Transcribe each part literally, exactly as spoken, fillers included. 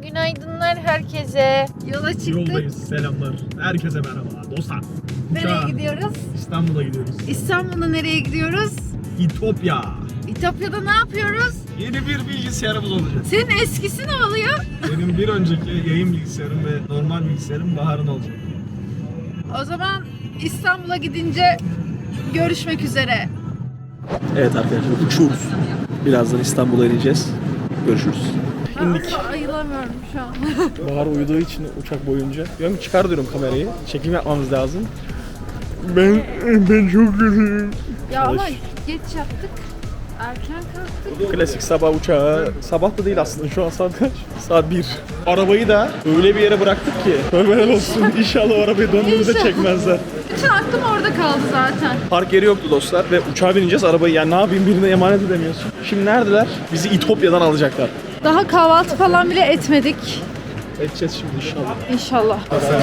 günaydınlar herkese. Yola çıktık. Yoldayız. Selamlar. Herkese merhaba dostlar. Nereye Uçağa, gidiyoruz? İstanbul'a gidiyoruz. İstanbul'a nereye gidiyoruz? İtopya. İtopya'da ne yapıyoruz? Yeni bir bilgisayarımız olacak. Senin eskisi ne oluyor? Benim bir önceki yayın bilgisayarım ve normal bilgisayarım Bahar'ın olacak. O zaman İstanbul'a gidince görüşmek üzere. Evet arkadaşlar uçuyoruz. Birazdan İstanbul'a ineceğiz. Görüşürüz. İndik. Asla ayılamıyorum şu an. Bahar uyuduğu için uçak boyunca. Diyorum ki çıkar diyorum kamerayı. Çekim yapmamız lazım. Ben ben çok kötüyüm. Ya ama Çalış. geç yaptık. Erken kalktık. Klasik sabah uçağı. Sabah da değil aslında şu an saat kaç? Saat bir. Arabayı da öyle bir yere bıraktık ki. Tövbeler olsun. İnşallah o arabayı döndüğümüzde İnşallah. çekmezler. Bütün aklım orada kaldı zaten. Park yeri yoktu dostlar ve uçağa bineceğiz arabayı. Yani ne yapayım birine emanet edemiyorsun. Şimdi neredeler? Bizi İtopya'dan alacaklar. Daha kahvaltı falan bile etmedik. Edeceğiz şimdi inşallah. İnşallah.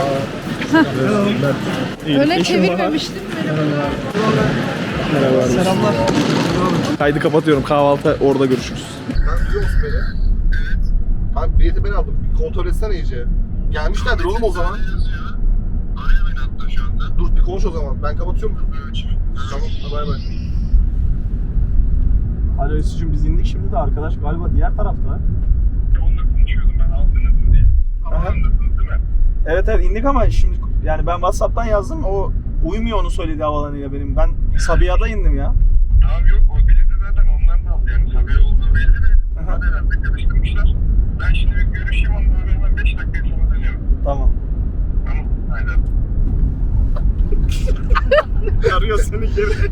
İyilik. Öne Eşim Bahar. çevirmemiştim. Merhaba. Selamlar. Kaydı kapatıyorum. Kahvaltı orada görüşürüz. Ben biliyor musun beni? Evet. Abi bileti ben aldım. Bir kontrol etsene iyice. Gelmişlerdir oğlum o zaman. Araya beni hatta şu anda. Dur bir konuş o zaman. Ben kapatıyorum. Tamam. Bay bay. Alo Esücüğüm biz indik şimdi de arkadaş galiba diğer tarafta. Onunla konuşuyordum ben aldınız diye. Havaalanındasınız değil mi? Evet evet indik ama şimdi yani ben WhatsApp'tan yazdım o uymuyor onu söyledi havalanıyla benim. Ben Sabiha'da indim ya. Tamam yok o bileti zaten onlar da aldı yani Sabiha olduğu belli de. Hadi herhalde karıştırmışlar. Ben şimdi bir görüşeyim onunla hemen beş dakika sonra dönüyorum. Tamam. Tamam aynen. Arıyor seni geri.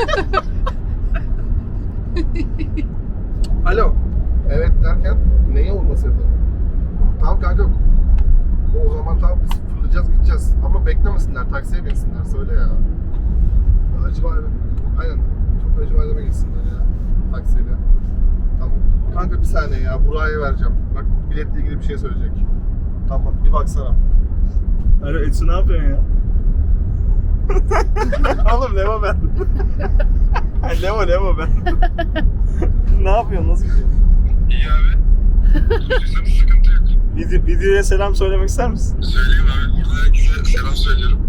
Alo. Evet derken neyi olması yapalım? Tamam kanka. O zaman tamam biz fırlayacağız gideceğiz. Ama beklemesinler. Taksiye binsinler. Söyle ya. Acı bayramı. Aynen. Çok acı bayramı gitsinler ya. Taksiyle. Tamam. Kanka bir saniye ya. Buraya vereceğim. Bak biletle ilgili bir şey söyleyecek. Tamam. Bir baksana. Alo Etsu ne yapıyorsun ya? Oğlum Leva ben. Leva Leva ben. Ne yapıyorsun? Nasıl gidiyor? İyi abi. Duyduğunuz sıkıntı yok. Video, videoya selam söylemek ister misin? Söyleyeyim abi. Burada herkese selam söylüyorum.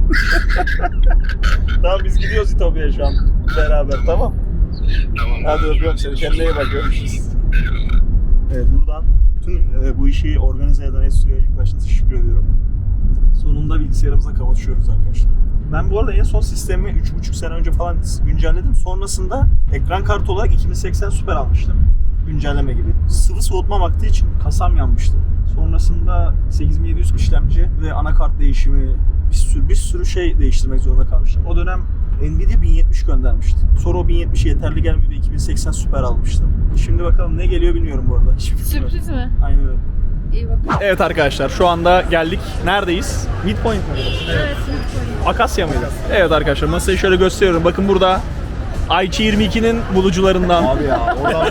Tamam biz gidiyoruz İtopya'ya şu an beraber tamam. Tamam. Hadi öpüyorum seni. Kendine iyi bak. Görüşürüz. Eyvallah. Evet buradan bütün e, bu işi organize eden Essu'ya ilk başta teşekkür ediyorum. Sonunda bilgisayarımıza kavuşuyoruz arkadaşlar. Ben bu arada en son sistemi üç buçuk sene önce falan güncelledim. Sonrasında ekran kartı olarak iki bin seksen Super almıştım. Güncelleme gibi. Sıvı soğutma vakti için kasam yanmıştı. Sonrasında sekiz bin yedi yüz işlemci ve anakart değişimi bir sürü bir sürü şey değiştirmek zorunda kalmıştım. O dönem Nvidia bin yetmiş göndermişti. Sonra o bin yetmiş yeterli gelmiyordu. iki bin seksen Super almıştım. Şimdi bakalım ne geliyor bilmiyorum bu arada. Hiçbir fikrim yok. Sürpriz mi? Aynen öyle. İyi bakın. Evet arkadaşlar şu anda geldik. Neredeyiz? Midpoint mi? Evet. Akasya mıydı? Evet arkadaşlar masayı şöyle gösteriyorum. Bakın burada Ayçi yirmi ikinin bulucularından. Abi ya oradan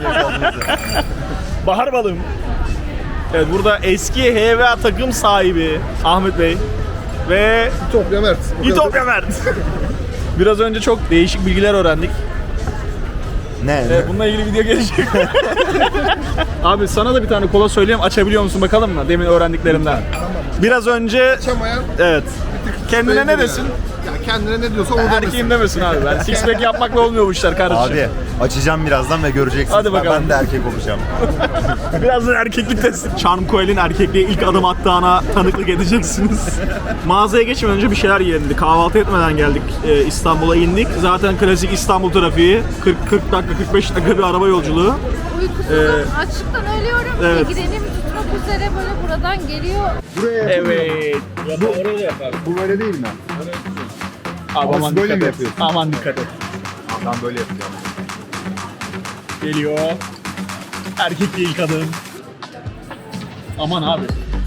Bahar balım. Evet burada eski H V A takım sahibi Ahmet Bey ve İtopya Mert. O kadar. İtopya Mert. Biraz önce çok değişik bilgiler öğrendik. Ne? Evet, bununla ilgili video gelecek. Abi sana da bir tane kola söyleyeyim. Açabiliyor musun bakalım mı? Demin öğrendiklerimden. Biraz önce Açamayan evet. Kendine ne belli desin? yani. Ya kendine ne diyorsa o demesin. Erkeğim demesin abi. Ben six pack yapmakla olmuyor bu işler kardeşim. Abi açacağım birazdan ve göreceksiniz. Hadi Ben- bakalım. Ben de erkek olacağım. Birazdan erkeklik testi. Charm Coel'in erkekliğe ilk adım attığına tanıklık edeceksiniz. Mağazaya geçmeden önce bir şeyler yiyelim dedik. Kahvaltı etmeden geldik. Ee, İstanbul'a indik. Zaten klasik İstanbul trafiği. kırk kırk dakika kırk beş dakika bir araba yolculuğu. Uykusuzum, açlıktan ölüyorum. evet. Migrenim tutmak üzere böyle buradan geliyor. Buraya Evet. Bu böyle değil mi? Abi aman böyle dikkat mi et. yapıyorsun? Aman dikkat et. Ben böyle yapacağım. Geliyor. Erkek değil kadın. Aman abi.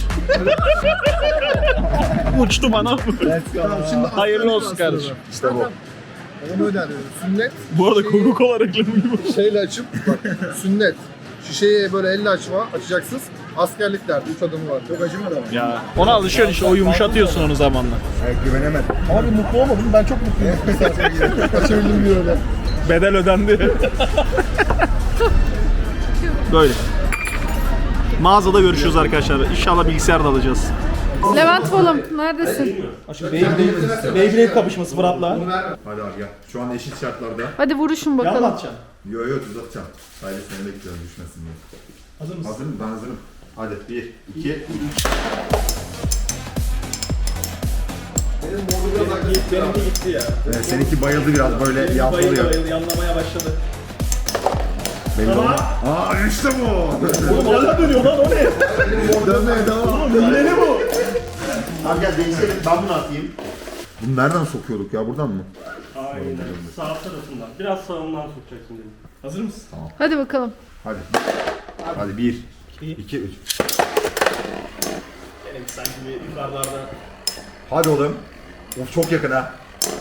Uçtu bana. Tamam, şimdi Hayırlı olsun kardeşim. İşte bu. Onu öyle arıyorum. Sünnet. Bu arada şişeyi Coca-Cola reklamı gibi. Şeyle açıp bak sünnet. Şişeyi böyle elle açma, açacaksınız. Askerliklerde üç adımı var. Çok acımadı ama. Ya ona alışıyorsun işte o yumuşatıyorsun onu zamanla. Evet, güvenemedim. Abi mutlu olmadım. Ben çok mutluyum. Açabildim bir öyle. Bedel ödendi. Böyle. Mağazada görüşürüz arkadaşlar. İnşallah bilgisayar da alacağız. Levent oğlum neredesin? Beyblade, Beyblade kapışması Fırat'la. Hadi abi gel. Şu an eşit şartlarda. Hadi vuruşun bakalım. Anlatacağım. Yo yo uzatacağım. Sadece seni bekliyorum düşmesin diye. Hazır mısın? Hazırım ben hazırım. Hadi bir, iki, üç. Benim modu biraz agresif. Benimki gitti ya. Evet, seninki bayıldı biraz böyle Bayıldı yalpalıyor. bayıldı yanlamaya başladı. Belli olmaz. Aa işte bu. Oğlum hala dönüyor lan o ne? Dönmeye devam. Oğlum ne bu? Abi gel değişelim ben bunu atayım. Bunu nereden sokuyorduk ya buradan mı? Aynen. Sağ tarafından. Biraz sağından sokacaksın dedim. Hazır mısın? Hadi bakalım. Hadi. Hadi bir, iki, üç. Benim sanki bir yukarılarda. Hadi oğlum. Of çok yakın ha.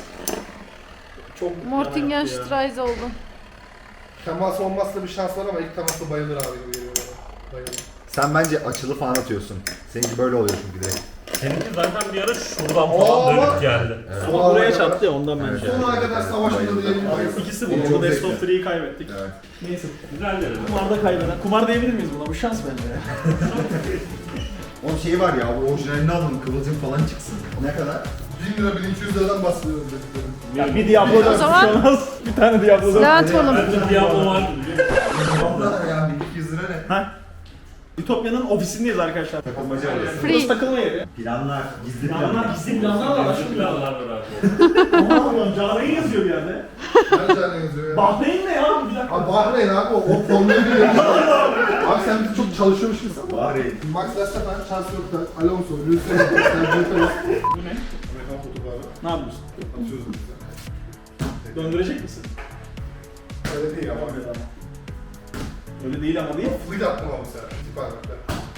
Çok Mortingenstreise oldu. Temas olmazsa bir şans var ama ilk temasta bayılır abi gibi geliyor bana. Bayılır. Sen bence açılı falan atıyorsun. Seninki böyle oluyor çünkü direkt. Seninki zaten bir ara şuradan Aa, falan bak. dönüp geldi. Ama buraya çarptı ya ondan bence. Sonuna kadar savaşmadı diyelim. İkisi Benim bu. çok Bu Best zevkli. of three'yi kaybettik. Evet. Neyse. Güzel dedim. Kumarda kaybeden. Kumar diyebilir miyiz buna? Bu şans bence. Onun şeyi var ya, bu orijinalini alın, kıvılcım falan çıksın. Ne kadar? bin lira bin iki yüz liradan bahsediyoruz dediklerim. Ya bir Diablo dört zaman- bir şey olmaz. Bir tane Diablo dört. Levent oğlum. Bende Diablo var. Abla ya bin iki yüz lira ne? Ha? Ütopya'nın ofisindeyiz arkadaşlar. Takılmaca arası. Burası Free. takılma yeri. Planlar, gizli Planlar, planlar. gizli planlar var. Başka Aşkım planlar var abi. Aman Cahreyn yazıyor bir yerde. Nerede tane yazıyor ya? Bahreyn ne ya? Bir dakika. Abi Bahreyn abi o, o formülü biliyor. Abi sen bizi çok çalışıyormuş gibisin. Bahreyn. Max Verstappen, Charles Leclerc, Alonso, Lewis Hamilton, Sergio Perez. Bu ne? Ne yapıyorsun? Döndürecek misin? Öyle değil ama. Öyle değil ama değil. Fleet attım abi sen. Tip hareketler.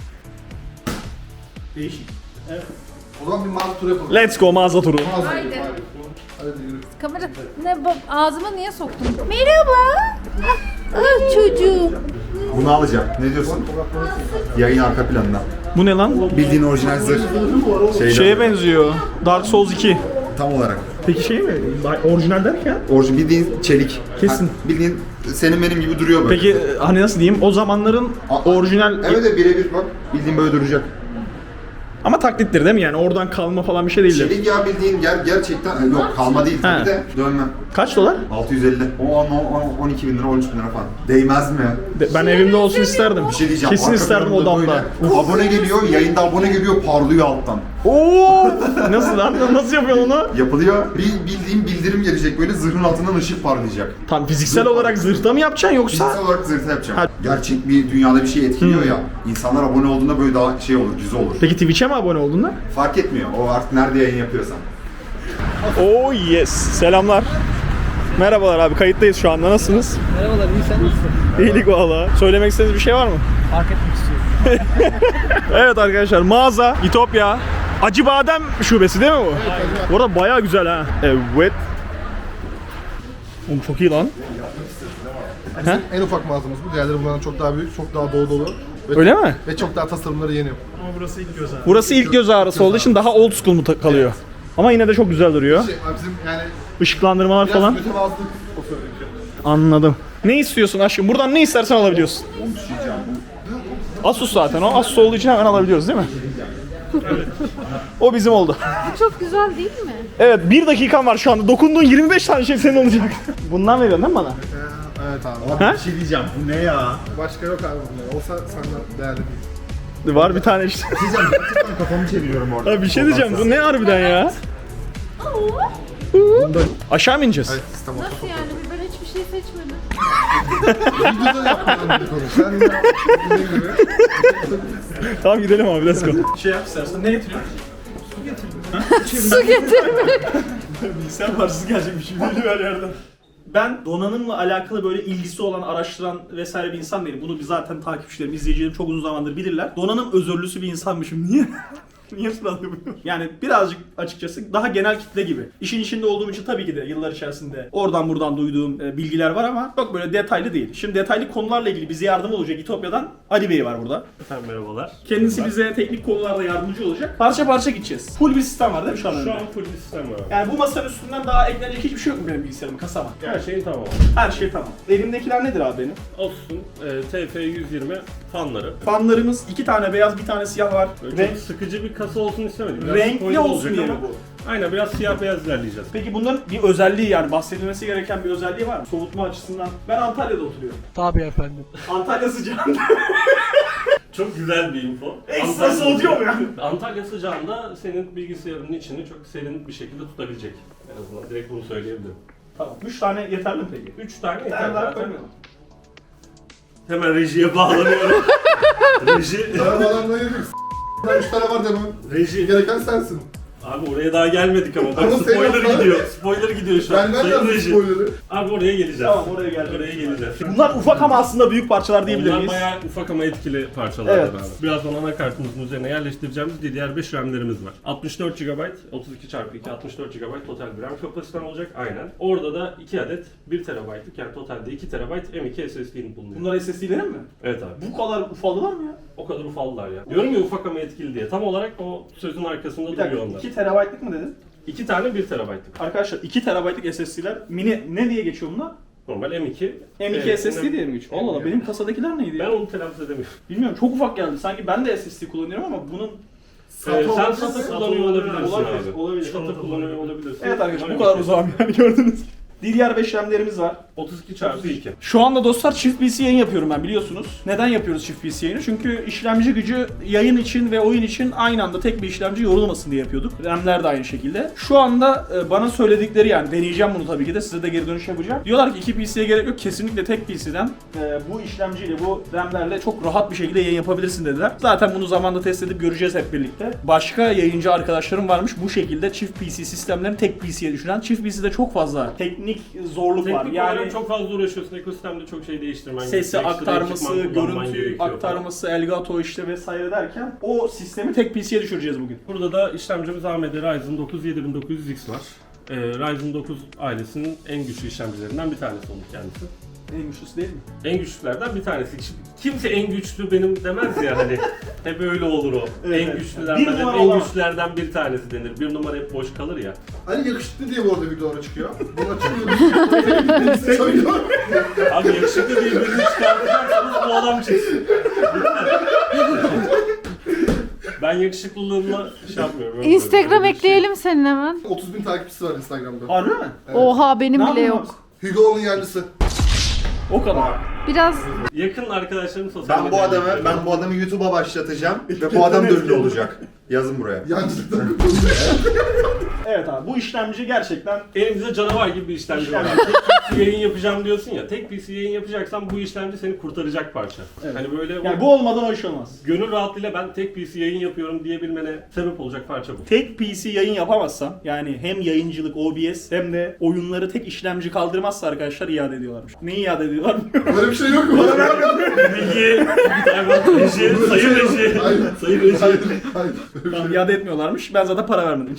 Değişik. Evet. O zaman bir mağaza turu yapalım. Let's go mağaza turu. Mağaza Haydi. gidelim, haydi. Hadi yürü. Kamera ne bu- ağzıma niye soktun? Merhaba. Ah, ah çocuğum. Bunu alacağım. Ne diyorsun? Yayın arka planına. Bu ne lan? Bildiğin orijinal zırh. Şeyden Şeye böyle. benziyor. Dark Souls iki. Tam olarak. Peki şey mi? Orijinal derken? Orijinal bildiğin çelik. Kesin. Ha, bildiğin senin benim gibi duruyor böyle. Peki hani nasıl diyeyim? O zamanların A- orijinal Evet de birebir bak. Bildiğin böyle duracak. ama taklittir değil mi yani? Oradan kalma falan bir şey değildir. Çelik ya bildiğin ger gerçekten yok kalma değil tabii He. de dönmem. Kaç dolar? altı yüz elli. O on, on, on iki bin lira on üç bin lira falan. Değmez mi? De- Ben evimde olsun isterdim. Bir şey diyeceğim. Kesin arka isterdim planında odamda. böyle Abone geliyor, yayında abone geliyor, parlıyor alttan. Oo! Nasıl lan? Nasıl yapıyorsun onu? Yapılıyor. Bir bildiğim bildirim gelecek böyle zırhın altından ışık parlayacak. Tam fiziksel olarak zırhta mı yapacaksın yoksa? Fiziksel olarak zırhta yapacağım. Ha. Gerçek bir dünyada bir şey etkiliyor ya. İnsanlar abone olduğunda böyle daha şey olur, güzel olur. Peki Twitch'e mi abone oldun da? Fark etmiyor. O artık nerede yayın yapıyorsan. Oh yes. Selamlar. Merhabalar abi, kayıttayız şu anda. Nasılsınız? Merhabalar, iyi sen nasılsın? İyilik valla. Söylemek istediğiniz bir şey var mı? Fark etmek istiyorum. Evet arkadaşlar, mağaza Ütopya. Acıbadem şubesi değil mi bu? Bu arada bayağı güzel ha. Evet. Oğlum çok iyi lan. Bizim en ufak mağazamız bu. Diğerleri bundan çok daha büyük, çok daha dolu dolu. Ve, Öyle mi? ve çok daha tasarımları yeni. Ama burası ilk göz ağrısı. Burası ilk göz ağrısı olduğu için daha old school mu ta- kalıyor? Ama yine de çok güzel duruyor. Şey, abi bizim yani Işıklandırmalar biraz falan. mütevazılık o söylediğim. Anladım. Ne istiyorsun aşkım? Buradan ne istersen alabiliyorsun. Asus zaten o. Asus olduğu için hemen alabiliyoruz değil mi? O bizim oldu. Bu çok güzel değil mi? Evet, bir dakikan var şu anda. Dokunduğun yirmi beş tane şey senin olacak. Bundan veriyorsun değil mi bana? Evet abi. Ha? Bir şey diyeceğim. Bu ne ya? Başka yok abi bunlar. Olsa senden değerli değil. Var bir tane işte. Bir şey diyeceğim. Gerçekten kafamı çeviriyorum orada. Abi bir şey diyeceğim. Bu ne harbiden ya? Aşağı mı ineceğiz? Evet, sistem olsa. Nasıl yani? Ben hiçbir şey seçmedim. Videoda yapmadan bir konu. Sen ya bildiğin gibi. Tamam gidelim abi, let's go. Şey yap istersen, ne getiriyorsun? Su getirme. Bilgisayar parçası gelecekmiş şimdi her yerden. Ben donanımla alakalı böyle ilgisi olan, araştıran vesaire bir insan değilim. Bunu zaten takipçilerim, izleyicilerim çok uzun zamandır bilirler. Donanım özürlüsü bir insanmışım. Niye? Niye surat yapıyorum? Yani birazcık açıkçası daha genel kitle gibi. İşin içinde olduğum için tabii ki de yıllar içerisinde oradan buradan duyduğum e, bilgiler var ama çok böyle detaylı değil. Şimdi detaylı konularla ilgili bize yardım olacak Ütopya'dan Ali Bey var burada. Efendim merhabalar. Kendisi bize teknik konularda yardımcı olacak. Parça parça gideceğiz. Full bir sistem var değil mi şu an? Şu önünde? an full bir sistem var. Yani bu masanın üstünden daha eklenecek hiçbir şey yok mu benim bilgisayarım, kasama? Her şeyin tamam. Her şey tamam. Elimdekiler nedir abi benim? Asus'un e, T F yüz yirmi fanları. Fanlarımız iki tane beyaz, bir tane siyah var. Böyle Renk, çok sıkıcı bir kasa olsun istemedik. Biraz renkli spoiler olsun olacak diye mi ama- bu? Aynen, biraz siyah beyaz ilerleyeceğiz. Peki bunların bir özelliği, yani bahsedilmesi gereken bir özelliği var mı? Soğutma açısından. Ben Antalya'da oturuyorum. Tabii efendim. Antalya sıcağında. Çok güzel bir info. Ekstra soğutuyor mu yani? Antalya sıcağında senin bilgisayarının içini çok serin bir şekilde tutabilecek. En azından direkt bunu söyleyebilirim. Tamam. Üç tane yeterli mi peki? Üç tane Bir yeter tane daha zaten. koymayalım. Hemen rejiye bağlanıyorum. Reji, Arabalarla yedik. S***lar üç tane var demem. reji. Gereken sensin. Abi oraya daha gelmedik ama bak Ama sen spoiler yapma. gidiyor. Spoiler gidiyor şu an. Ben Sayın nereden reji. spoiler'ı? Abi oraya geleceğiz. Tamam, oraya geleceğiz. Oraya geleceğiz. Bunlar ufak ama aslında büyük parçalar diyebilir Onlar miyiz? bayağı ufak ama etkili parçalar Evet. abi. Birazdan anakartımızın üzerine yerleştireceğimiz D D R beş RAM'lerimiz var. altmış dört gigabayt, otuz iki çarpı iki, altmış dört gigabayt total bir RAM kapasiten olacak. Aynen. Orada da iki adet bir terabaytlık, yani totalde iki terabayt M iki S S D'nin bulunuyor. Bunlar S S D'lerin mi? Evet abi. Bu kadar ufaldılar mı ya? O kadar ufaldılar ya. Diyorum ya ufak ama etkili diye. Tam olarak o sözün arkasında Bir duruyor dakika, onlar. iki terabaytlık mı dedin? İki tane bir terabaytlık. Arkadaşlar iki terabaytlık S S D'ler mini ne diye geçiyor bunlar? Normal M iki. M iki Evet, S S D diye mi geçiyor? Allah Allah, benim kasadakiler neydi Ben ya? onu telaffuz edemiyorum. Bilmiyorum, çok ufak geldi. Sanki ben de S S D kullanıyorum ama bunun... Ee, sen olabilir SATA mi? kullanıyor olabilirsin Olabilir, abi. olabilir. SATA kullanıyor olabilirsin. Evet arkadaşlar, bu kadar uzağım yani, gördünüz. D D R beş RAM'lerimiz var. otuz iki çarpı iki. Şu anda dostlar çift P C yayın yapıyorum ben, biliyorsunuz. Neden yapıyoruz çift P C yayını? Çünkü işlemci gücü yayın için ve oyun için aynı anda tek bir işlemci yorulmasın diye yapıyorduk. RAM'ler de aynı şekilde. Şu anda e, bana söyledikleri, yani deneyeceğim bunu tabii ki de, size de geri dönüş yapacağım. Diyorlar ki iki P C'ye gerek yok, kesinlikle tek P C'den e, bu işlemciyle, bu RAM'lerle çok rahat bir şekilde yayın yapabilirsin dediler. Zaten bunu zamanla test edip göreceğiz hep birlikte. Başka yayıncı arkadaşlarım varmış bu şekilde çift P C sistemlerini tek P C'ye düşüren. Çift P C'de çok fazla teknik zorluk var. Teknik Yani olarak çok fazla uğraşıyorsun. Ekosistemde çok şey değiştirmen sesi gerekiyor. Ekstra aktarması, ekipman kullanman görüntü gerekiyor aktarması, Elgato işte vesaire derken o sistemi tek P C'ye düşüreceğiz bugün. falan. Burada da işlemcimiz A M D Ryzen dokuz yedi bin dokuz yüz X var. Ee, Ryzen dokuz ailesinin en güçlü işlemcilerinden bir tanesi oldu kendisi. En güçlüsü değil mi? En güçlülerden bir tanesi. Şimdi kimse en güçlü benim demez ya hani. Hep öyle olur o. Evet, en evet. güçlülerden, Bir hep numara en olamaz. güçlülerden bir tanesi denir. Bir numara hep boş kalır ya. Hani yakışıklı diye bu arada videolara çıkıyor. Bunu açıklıyor. Söylüyor. Abi yakışıklı diye birini çıkartacaksanız bu adam çıksın. Ben yakışıklılığımla şey yapmıyorum. öyle Instagram böyle bir şey. ekleyelim senin hemen. otuz bin takipçisi var Instagram'da. Harbi mi? Evet. Oha, benim Ne bile yapıyorsun yok. Hugo'nun yerlisi. O kadar. Biraz Yakın arkadaşlarım sosyal Ben bu medyada adamı, ekliyorum. ben bu adamı YouTube'a başlatacağım ve bu adam da ünlü olacak. Yazın buraya. Yancılıktan Evet abi, bu işlemci gerçekten Elimizde canavar gibi bir işlemci var. İşlemci. Tek P C yayın yapacağım diyorsun ya. Tek P C yayın yapacaksan bu işlemci seni kurtaracak parça. Evet. Hani böyle yani bu olmadan o iş olmaz. gönül rahatlığıyla ben tek P C yayın yapıyorum diyebilmene sebep olacak parça bu. Tek P C yayın yapamazsan, yani hem yayıncılık, O B S hem de oyunları tek işlemci kaldırmazsa arkadaşlar iade ediyorlarmış. Neyi iade ediyorlar? Böyle bir şey yok mu? Bana Reji, reji, sayın reji, Hayır. sayın reji. Hayır. Hayır. Tamam, iade etmiyorlarmış. Ben zaten para vermedim.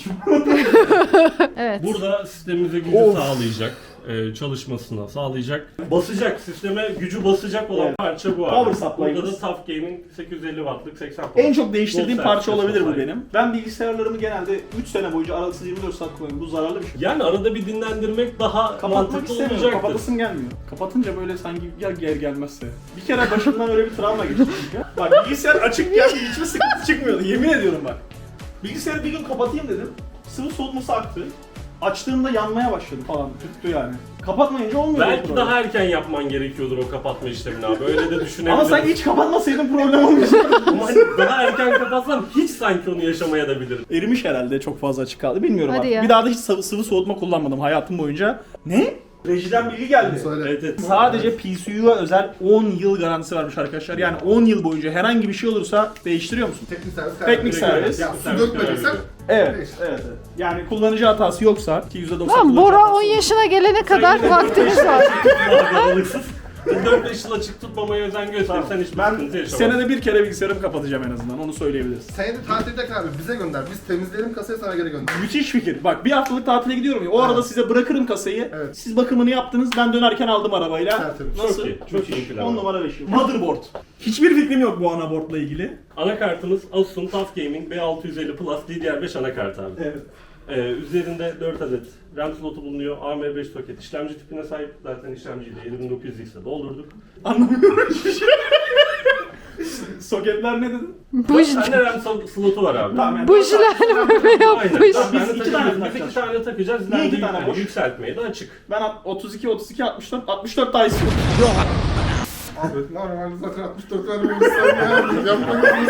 evet. Burada sistemimize gücü Of. sağlayacak, e, çalışmasına sağlayacak, basacak, sisteme gücü basacak olan Evet. parça bu abi. Power supply'ımız. Burada da TUF Gaming sekiz yüz elli wattlık seksen En çok değiştirdiğim Volt parça olabilir bu sertifikası benim. Ben bilgisayarlarımı genelde üç sene boyunca aralıksız yirmi dört saat kullanıyorum. Bu zararlı bir şey. Yani arada bir dinlendirmek daha Kapatmak mantıklı istemiyorum. olacaktır. Kapatasım gelmiyor. Kapatınca böyle sanki ya gel gelmezse. Bir kere başımdan öyle bir travma geçti çünkü. Bak bilgisayar açıkken hiçbir sıkıntı çıkmıyordu. Yemin ediyorum bak. Bilgisayarı bir gün kapatayım dedim. Sıvı soğutması aktı. Açtığımda yanmaya başladı falan. Tuttu yani. Kapatmayınca olmuyor. Belki o problem. daha erken yapman gerekiyordur o kapatma işlemini abi. Öyle de düşünebiliriz. Ama sanki hiç kapatmasaydın problem olmayacak. Ama hani daha erken kapatsam hiç sanki onu yaşamaya da bilirim. Erimiş herhalde, çok fazla açık kaldı. Bilmiyorum Hadi artık. ya. Bir daha da hiç sıvı, sıvı soğutma kullanmadım hayatım boyunca. Ne? Rejiden bilgi geldi. Söyle. Evet, evet. Sadece P C U'ya özel on yıl garantisi varmış arkadaşlar. Yani on yıl boyunca herhangi bir şey olursa değiştiriyor musun? Teknik servis. Teknik servis. Ya su dökmediysen Evet, Değiştir. evet, evet. Yani kullanıcı hatası yoksa ki yüzde doksan Tamam, kullanıcı Bora hatası on yok. yaşına gelene kadar vaktimiz var. Aralıksız. dört beş yıl açık tutmamaya özen gösterirsen hiçbir Ben sıkıntı yaşamazsın. senede bir kere bilgisayarımı kapatacağım en azından, onu söyleyebiliriz. senede tatilde abi bize gönder. Biz temizleyelim kasayı sana geri gönder. Müthiş fikir. Bak bir haftalık tatile gidiyorum ya. O arada Evet. size bırakırım kasayı. Evet. Siz bakımını yaptınız. Ben dönerken aldım arabayla. Tertemiz. Nasıl? Çok iyi, çok iyi plan. on numara beş yıl. Motherboard. Hiçbir fikrim yok bu anaboardla ilgili. Anakartımız Asus'un TUF Gaming B altı yüz elli Plus D D R beş anakart abi. Evet. Ee, üzerinde dört adet RAM slotu bulunuyor. A M beş soket işlemci tipine sahip. Zaten işlemciyi de yedi bin dokuz yüz X'e doldurduk. Anlamıyorum hiçbir şey. Soketler ne dedin? Buj, Sende RAM so- slotu var abi. Tamam yani. bujlar mı yapmış? Aynen. Biz Ben de iki takacağız. tane Biz iki takacağız. tane takacağız. Niye iki İleride tane yani boş? Yükseltmeye de açık. Ben otuz iki, otuz iki, altmış dört, altmış dört daha istiyorum. Abi normalde zaten altmış dört vermemişsin ya. Yapmayın.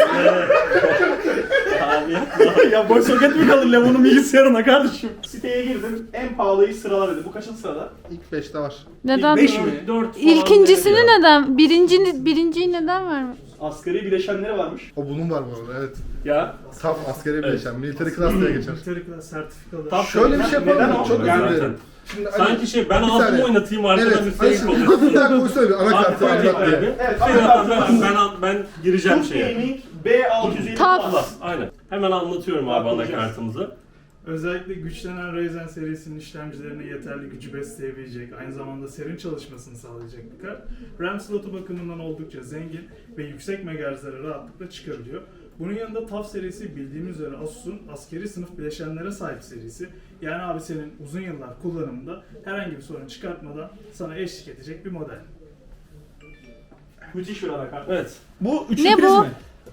Abi ya boş soket mi kalır Levo'nun bilgisayarına kardeşim? Siteye girdim. En pahalıyı sırala dedi. Bu kaçıncı sırada? İlk beşte var. Neden? beş mi? dört falan İlkincisini değil ya. neden? Birinci, birinciyi neden vermiş? Asgari bileşenleri varmış. O bunun var bu arada evet. Ya. Tam askeri bileşen. Military class diye geçer. Military sertifikalı. Tam Şöyle bir şey yapalım Neden mı? o? Çok özür Yani dilerim. Şimdi Ali- Sanki şey ben Bir altımı saniye. oynatayım arkadan Evet. bir Ali sayı şimdi oluyor. bir daha koysana bir anakartı Abi, anlat diye. abi. Evet. Şey Anakartı yapalım, ben, ben, ben gireceğim Tuf şeye. Gaming B altı yüz elli Taf. Plus. Aynen. Hemen anlatıyorum abi Anlatacağız. anakartımızı. Özellikle güçlenen Ryzen serisinin işlemcilerine yeterli gücü besleyebilecek, aynı zamanda serin çalışmasını sağlayacak bir kart. RAM slotu bakımından oldukça zengin ve yüksek megahertzlere rahatlıkla çıkabiliyor. Bunun yanında TUF serisi bildiğimiz üzere Asus'un askeri sınıf bileşenlere sahip serisi. Yani abi senin uzun yıllar kullanımında herhangi bir sorun çıkartmadan sana eşlik edecek bir model. Müthiş bir anakart. Evet. Bu üçlü Ne priz bu? mi?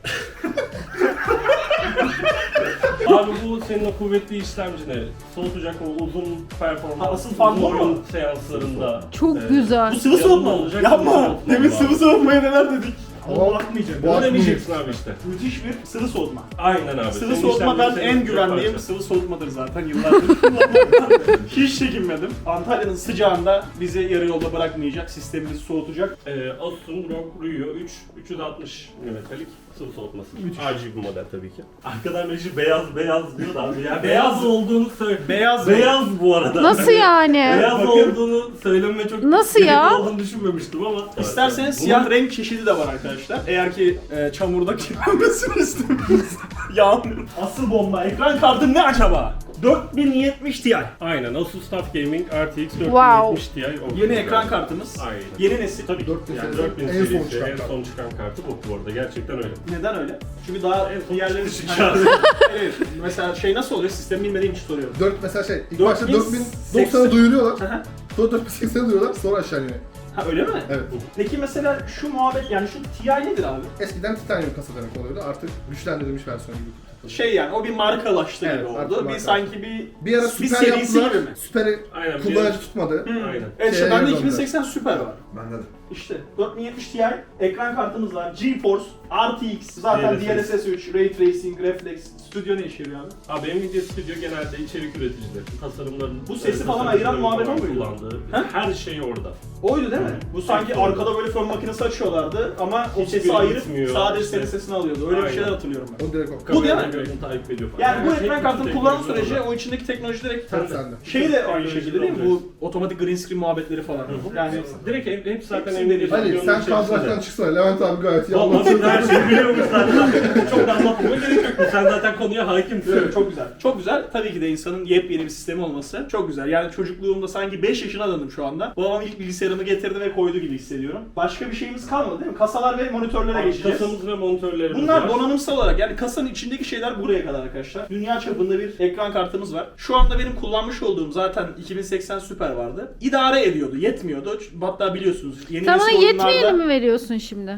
Abi bu senin o kuvvetli işlemcini soğutacak o uzun performans, Ha, asıl fan bu uzun mu? oyun seanslarında. Çok e, güzel. Bu sıvı soğutma mı? olacak, Yapma. sıvı soğutma Demin var. sıvı soğutmaya neler dedik. Ama bakmayacak. Bu Bunu aklı- demeyeceksin abi işte. Müthiş bir sıvı soğutma. Aynen abi. Sıvı Senin soğutma ben işlemcin en senin güvendiğim parça. sıvı soğutmadır zaten yıllardır kullanıyorum. Hiç çekinmedim. Antalya'nın sıcağında bizi yarı yolda bırakmayacak, sistemimizi soğutacak. Ee, Asus'un R O G Rio üç üç yüz altmış milimetrelik sıvı soğutması. R G B model tabii ki. Arkadan Reji beyaz beyaz diyor da abi ya. Beyaz olduğunu söyle. Beyaz Beyaz bu arada. Nasıl yani? Beyaz Bakın. olduğunu söylememe çok Nasıl gerek ya? olduğunu düşünmemiştim ama. İsterseniz Bunun- siyah renk çeşidi de var arkadaşlar. Eğer ki e, çamurda kirlenmesini istemiyorsanız. Yağmur. Asıl bomba. Ekran kartı ne acaba? dört bin yetmiş Ti. Aynen Asus TUF Gaming R T X dört bin Wow. yetmiş Ti. o Yeni güzel. ekran kartımız. Aynen. Yeni nesil. Tabii ki. dört bin Yani serisi dört bin en son serisi çıkan en kart. son çıkan kartı bu bu arada. Gerçekten öyle. Neden öyle? Çünkü daha En son diğerleri çıkan. Evet. Mesela şey nasıl oluyor? Sistemi bilmediğim için soruyorum. dört mesela şey ilk dört başta bin dört bin seksen doksan'a duyuruyorlar. Hı hı. Sonra dört bin seksene duyuruyorlar. Sonra aşağı iniyor. Ha öyle mi? Evet. Peki mesela şu muhabbet yani şu Ti nedir abi? Eskiden titanyum kasa demek oluyordu. Artık güçlendirilmiş versiyonu gibi. Şey yani o bir markalaştı Evet, gibi artık oldu. Bir markalaştı. sanki bir Bir ara bir süper serisi yaptılar. gibi mi? Süperi Aynen. bir- kullanıcı tutmadı. Aynen. Evet işte Şeye bende döndüler. iki bin seksen Super var. Bende de. İşte dört bin yetmiş Ti ekran kartımız var. GeForce, R T X, zaten D D L L S S S S üç, Ray Tracing, Reflex, Studio ne işe yarıyor abi? Abi Nvidia Studio genelde içerik üreticileri, tasarımların... Bu sesi e, falan tasarımcıların ayıran muhabbet falan o muydu? kullandığı, Ha? her şey orada. Oydu değil mi? Bu sanki Evet, doğru. arkada böyle fön makinesi açıyorlardı ama o Hiçbiri sesi ayırıp gitmiyor. sadece İşte. senin sesini alıyordu. Öyle bir Aynen. şeyler hatırlıyorum ben. O direkt o. Bu değil mi? Kameradan gördüğünü takip ediyor falan. Yani bu Her ekran şey, kartını bütün kullanım teknoloji süreci orada. o içindeki teknoloji direkt Tam sende. şey de aynı Teknoloji şekilde değil mi? olacak. Bu otomatik green screen muhabbetleri falan. Yani Direkt hep, hep zaten Hepsinde Nvidia değil. Ali Studio'nun sen kadrajdan içerisinde. çıksana. Levent abi gayet iyi Vallahi anlatıyor. her şeyi biliyormuş zaten. Çok da anlatmama gerek yok. Sen zaten konuya hakimsin. Evet, çok güzel. Çok güzel. Tabii ki de insanın yepyeni bir sistemi olması çok güzel. Yani çocukluğumda sanki beş yaşına döndüm şu anda. Babam ilk bilgisayarımı getirdi ve koydu gibi hissediyorum. Başka bir şeyimiz kalmadı değil mi? Kasalar ve monitörlere geçeceğiz. Kasamız ve monitörlerimiz Bunlar var. donanımsal olarak yani kasanın içindeki şeyler buraya kadar arkadaşlar. Dünya çapında bir ekran kartımız var. Şu anda benim kullanmış olduğum zaten iki bin seksen Super vardı. İdare ediyordu, yetmiyordu. Hatta biliyorsunuz yeni Sana nesil yetmeyeni oyunlarda mi veriyorsun şimdi?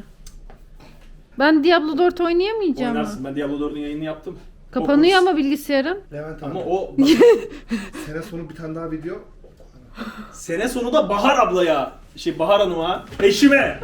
Ben Diablo dört oynayamayacağım mı? oynarsın. Ben Diablo dördün yayını yaptım. Kapanıyor Okursun. ama bilgisayarın. Levent Ama abi. o Sene sonu bir tane daha video. sene sonu da Bahar ablaya, şey Bahar Hanım'a, eşime.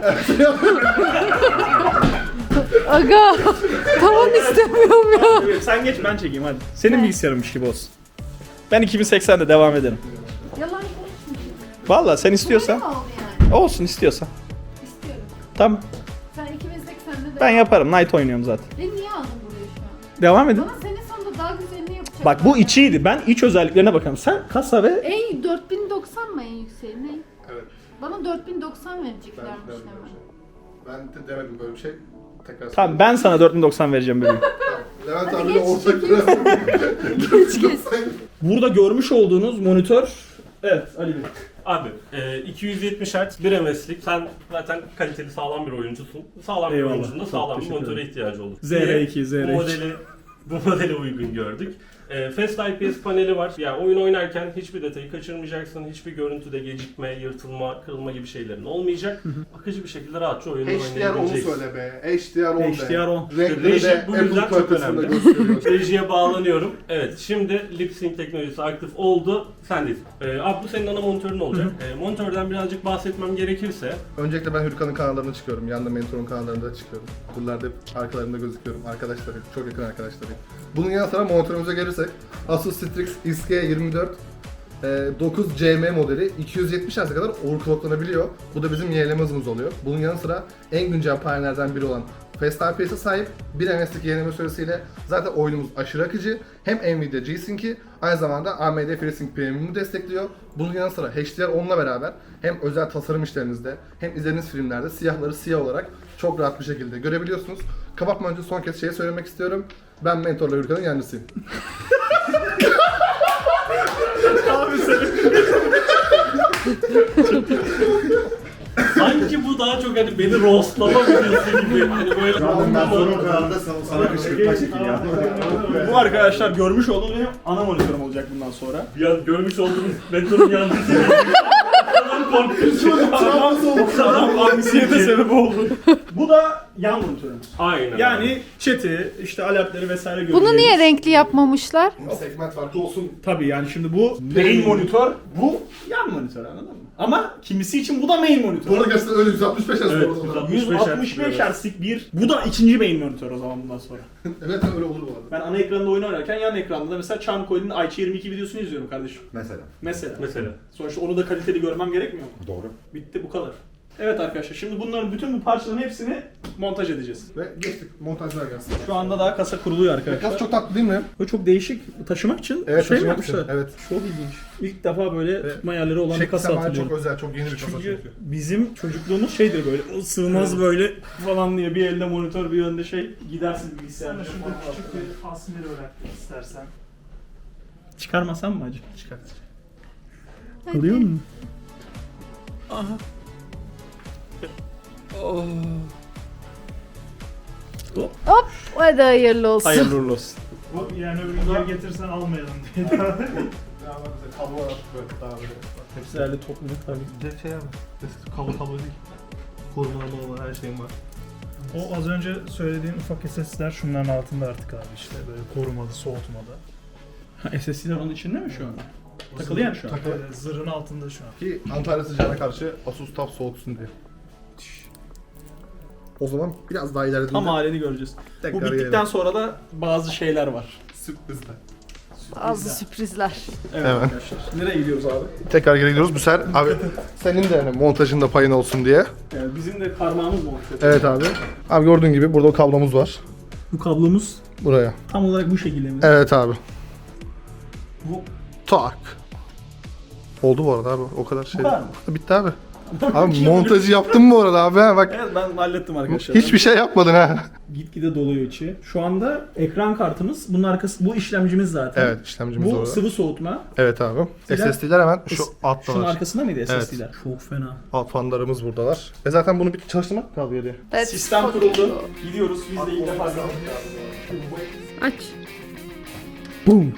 Aga tavan istemiyorum ya. Evet, sen geç ben çekeyim hadi. Senin bilgisayarınmış gibi olsun. Ben iki bin seksende devam ederim. Yalan konuşmuyorsun. Vallahi sen istiyorsan. oldu yani? Olsun istiyorsan. İstiyorum. Tamam Sen iki bin seksende de... ben yaparım. Night oynuyorum zaten. Beni niye aldın buraya şu an? Devam edin. Bana sene sonunda daha güzelini yapacak. Bak bu içiydi. Ben iç özelliklerine bakalım. Sen kasa ve En dört bin doksan mı en yükseği ne? Evet. Bana dört bin doksan Ben, vereceklermiş ben, hemen. ben de demedim böyle bir şey. Tekrar tamam ben sana dört bin doksan vereceğim bebeğim. Levent Hadi abiyle geç, ortak çekil. Geç geç. Burada görmüş olduğunuz monitör. Evet Ali Bey. Abi e, iki yüz yetmiş hertz bir M S'lik. Sen zaten kaliteli sağlam bir oyuncusun. Sağlam Eyvallah. bir oyuncunun da Çok sağlam bir teşekkür monitöre ederim. ihtiyacı olur. Z R iki, Diye Z R iki. Bu modeli, bu modele uygun gördük. E, Fast I P S paneli var. Yani oyun oynarken hiçbir detayı kaçırmayacaksın. Hiçbir görüntüde gecikme, yırtılma, kırılma gibi şeylerin olmayacak. Akıcı bir şekilde rahatça oyunu H D R on'u oynayabileceksin. söyle be. H D R on be. H D R on. Renkleri Reji de bu yüzden Apple çok kalitesinde önemli. gösteriyor. Rejiye bağlanıyorum. Evet, şimdi lip sync teknolojisi aktif oldu. Sendeyiz. Ee, abi bu senin ana monitörün olacak. Ee, monitörden birazcık bahsetmem gerekirse, Öncelikle ben Hürkan'ın kanallarına çıkıyorum. Yanında Mentor'un kanallarında çıkıyorum. Buralarda hep arkalarında gözüküyorum. Arkadaşlarım, çok yakın arkadaşlarım. Bunun yanı sıra monitörümüze gelirsek Asus Strix X G yirmi dört e, dokuz C M modeli iki yüz yetmiş Hz'e kadar overclocklanabiliyor. Bu da bizim yenileme hızımız oluyor. Bunun yanı sıra en güncel panelerden biri olan Fast I P S'e sahip bir M S'lik yenileme süresiyle zaten oyunumuz aşırı akıcı. Hem Nvidia G-Sync'i aynı zamanda A M D FreeSync Premium'u destekliyor. Bunun yanı sıra H D R on'la beraber hem özel tasarım işlerinizde hem izlediğiniz filmlerde siyahları siyah olarak çok rahat bir şekilde görebiliyorsunuz. Kapatmadan önce son kez şey söylemek istiyorum. Ben Mentor'la Hürkan'ın yancısıyım. sanki bu daha çok hani beni roastlama videosu gibi. Hani böyle Ben sorun kanalında sana, sana kışkırtma çekil ya. Bu arkadaşlar görmüş olduğunuz benim ana monitörüm olacak bundan sonra. bir an görmüş olduğunuz mentorun yancısı. Adam korkunç. Adam anksiyete sebep oldu. Bu da yan monitörümüz. Aynen. Yani chat'i, işte alertleri vesaire görüyoruz. Bunu niye renkli yapmamışlar? Segment farkı olsun. Tabii yani şimdi bu main monitör, bu yan monitör, anladın mı? Ama kimisi için bu da main monitör. Bu arada gerçekten öyle yüz altmış beş Hz Evet, bu arada. yüz altmış beş yüz altmış beş Hz'lik bir, bu da ikinci main monitör o zaman bundan sonra. Evet öyle olur bu arada. Ben ana ekranda oyun oynarken yan ekranda da mesela Charmcoil'in I Q yirmi iki videosunu izliyorum kardeşim. Mesela. Mesela. Mesela. Sonuçta onu da kaliteli görmem gerekmiyor mu? Doğru. Bitti, bu kadar. Evet arkadaşlar, şimdi bunların bütün bu parçaların hepsini montaj edeceğiz. Ve geçtik. Montajlar gelsin. Şu anda daha kasa kuruluyor arkadaşlar. Kas çok tatlı değil mi? Bu çok değişik, taşımak için Evet, şey mi taşımak için, yapmışlar? evet. Çok ilginç. İlk defa böyle tutma yerleri olan bir Şekli kasa semayi hatırlıyorum. çok özel, çok yeni bir kasa Çünkü çünkü. bizim çocukluğumuz şeydir böyle, o sığmaz böyle falan diye bir elde monitör bir önde şey, gidersin bilgisayarda. Şurada küçük bir asmir olarak istersen. Çıkarmasam mı acı? Çıkart. Alıyor mu? Hop, hadi hayırlı olsun. Hayırlı uğurlu olsun. Bu yani öbürünü geri getirsen almayalım diye. Ya bak bize kablo var böyle daha böyle. Hepsi herhalde top net tabii. Bir de şey abi. Kablo kablo değil. Korumalı olan her şeyim var. O az önce söylediğin ufak S S'ler şunların altında artık abi işte böyle korumalı, soğutmalı. Ha, S S D'ler onun içinde mi şu an? Takılı yani şu an. Takılı. Böyle zırhın altında şu an. Ki Antalya sıcağına karşı Asus Tab soğutsun diye. O zaman biraz daha ilerlediğinde Tam halini göreceğiz. Bu tekrar bittikten gelelim. sonra da bazı şeyler var. Sürprizler. Bazı sürprizler. Evet, Evet. arkadaşlar. Nereye gidiyoruz abi? Tekrar geri gidiyoruz. Bu sefer abi senin de yani montajında payın olsun diye. Yani bizim de parmağımız mı olacak? Evet abi. Abi gördüğün gibi burada o kablomuz var. Bu kablomuz Buraya. tam olarak bu şekilde mi? Evet abi. Bu Tak. Oldu bu arada abi. O kadar şey. Bu kadar mı? Bitti abi. Abi montajı yaptım bu arada abi ha bak. Evet, ben hallettim arkadaşlar. Hiçbir şey yapmadın ha. Gitgide doluyor içi. Şu anda ekran kartımız, bunun arkası, bu işlemcimiz zaten. Evet işlemcimiz Bu orada. sıvı soğutma. Evet abi. Sizler- S S D'ler hemen şu altta Şunun var. arkasında mıydı Evet. S S D'ler? Çok fena. Alt fanlarımız buradalar. E zaten bunu bir çalıştırmak kaldı geriye. Evet. Sistem kuruldu. Gidiyoruz. Biz de ilk defa gördük. Aç. Boom.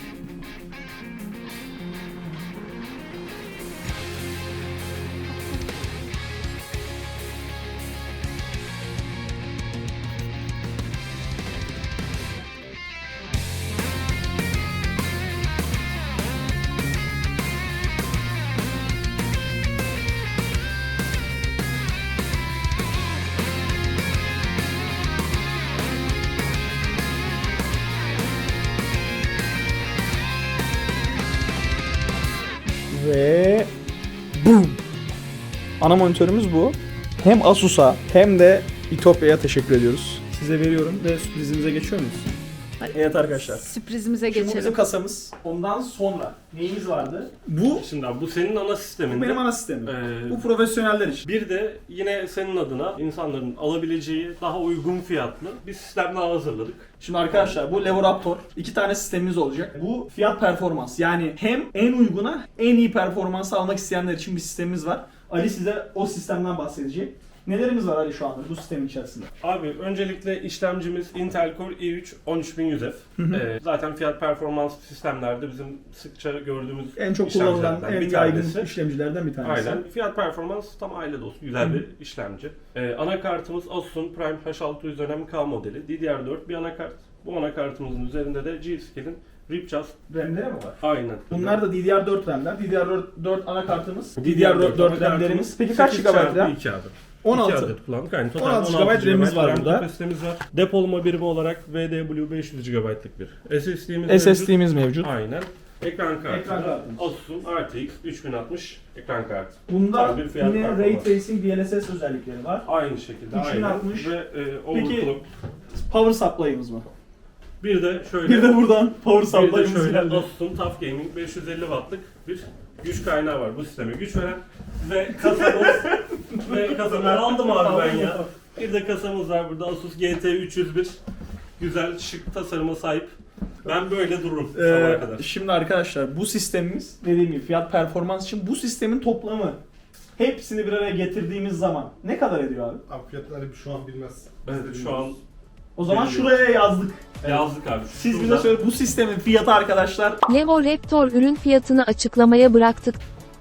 Ve boom. Ana monitörümüz bu. Hem Asus'a hem de İtopya'ya teşekkür ediyoruz. Size veriyorum ve sürprizimize geçiyor muyuz? Evet arkadaşlar. Sürprizimize Şimdi bu bizim geçelim. kasamız. Ondan sonra neyimiz vardı? Bu, Şimdi abi bu senin ana bu sisteminde. benim ana sistemim. Ee, Bu profesyoneller için. Bir de yine senin adına insanların alabileceği daha uygun fiyatlı bir sistem daha hazırladık. Şimdi arkadaşlar bu Levoraptor. iki tane sistemimiz olacak. Bu fiyat performans. Yani hem en uyguna en iyi performansı almak isteyenler için bir sistemimiz var. Ali size o sistemden bahsedecek. Nelerimiz var Ali şu anda bu sistemin içerisinde? Abi öncelikle işlemcimiz Intel Core i üç on üç bin yüz F. Ee, zaten fiyat performans sistemlerde bizim sıkça gördüğümüz En çok kullanılan, işlemcilerden en bir yaygın tanesi. işlemcilerden bir tanesi. Aynen. Fiyat performans tam aile dostu. Güzel bir işlemci. Ee, anakartımız Asus'un Prime H altı yüz dönem K modeli. D D R dört bir anakart. Bu anakartımızın üzerinde de G-Skill'in Ripjust. RAM'leri mi var? Aynen. Bunlar da D D R dört RAM'ler. D D R dört anakartımız. D D D D R R dört dört RAM'lerimiz. Peki kaç sekiz GB çarpı RAM? iki abi. on altı. iki adet kullandık. Aynı total on altı gigabayt RAM'imiz var burada. kapasitemiz var. Depolama birimi olarak V D W beş yüz gigabaytlık bir S S D'miz S S D'miz mevcut. Aynen. Ekran kartı. Ekran kartımız. Asus'un R T X üç bin altmış ekran kartı. Bunda Tam bir fiyat yine Ray performans. Tracing D L S S özellikleri var. Aynı şekilde. üç bin altmış. Aynen. Ve e, Peki, overclock. Power supply'ımız mı? Bir de şöyle. Bir de buradan power bir de supply'ımız şöyle geldi. Asus'un Tough Gaming beş yüz elli wattlık bir güç kaynağı var bu sisteme güç veren ve kasamız ve kasamız aldım abi ben ya. Bir de kasamız var burada Asus G T üç yüz bir. Güzel şık tasarıma sahip. Ben böyle dururum Ee, sabaha kadar. şimdi arkadaşlar bu sistemimiz dediğim gibi fiyat performans için bu sistemin toplamı hepsini bir araya getirdiğimiz zaman ne kadar ediyor abi? Abi fiyatları şu an bilmez. Evet şu an O zaman Bilmiyorum. şuraya yazdık. yazdık abi. Siz bize Şurada- söyle bu sistemin fiyatı arkadaşlar. Levo Raptor ürün fiyatını açıklamaya bıraktık.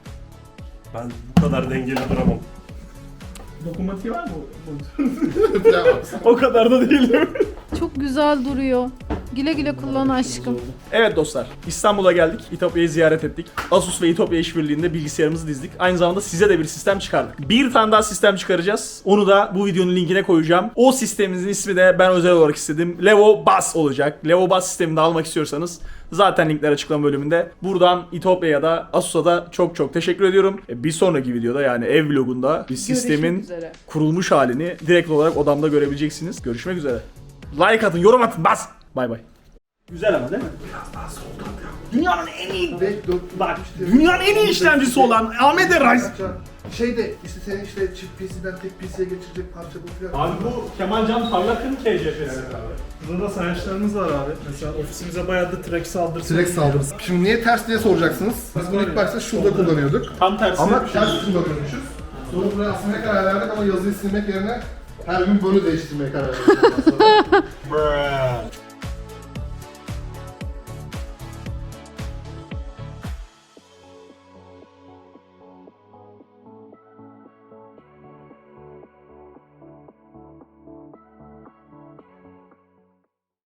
Ben bu kadar dengeli duramam. Dokunmatiği var mı? Ya, O kadar da değil. Çok güzel duruyor. Güle güle kullan aşkım. Evet dostlar, İstanbul'a geldik. İtopya'yı ziyaret ettik. Asus ve İtopya işbirliğinde bilgisayarımızı dizdik. Aynı zamanda size de bir sistem çıkardık. Bir tane daha sistem çıkaracağız. Onu da bu videonun linkine koyacağım. O sistemimizin ismi de ben özel olarak istedim. Levo Bus olacak. Levo Bus sistemini de almak istiyorsanız zaten linkler açıklama bölümünde. Buradan İtopya'ya da Asus'a da çok çok teşekkür ediyorum. Bir sonraki videoda yani ev vlogunda bir sistemin üzere. kurulmuş halini direkt olarak odamda görebileceksiniz. Görüşmek üzere. Like atın, yorum atın, bas. Bay bay. Güzel ama değil mi? Dünyanın en iyi, Ve dört- bak, dünyanın en iyi işlemcisi olan A M D Ryzen. Şey de işte senin işte çift P C'den tek P C'ye geçirecek parça bu fiyat. Abi bu Kemalcan Parlak'ın K C P'si. Burada da sayaçlarımız var abi. Mesela ofisimize bayağı da track saldırısı. Direkt saldırısı. Şimdi niye ters diye soracaksınız. Biz bunu ilk başta şurada kullanıyorduk. Tam tersi. Ama ters kullanıyormuşuz. Sonra buraya asmaya karar verdik ama yazıyı silmek yerine her gün böyle değiştirmeye karar verdik.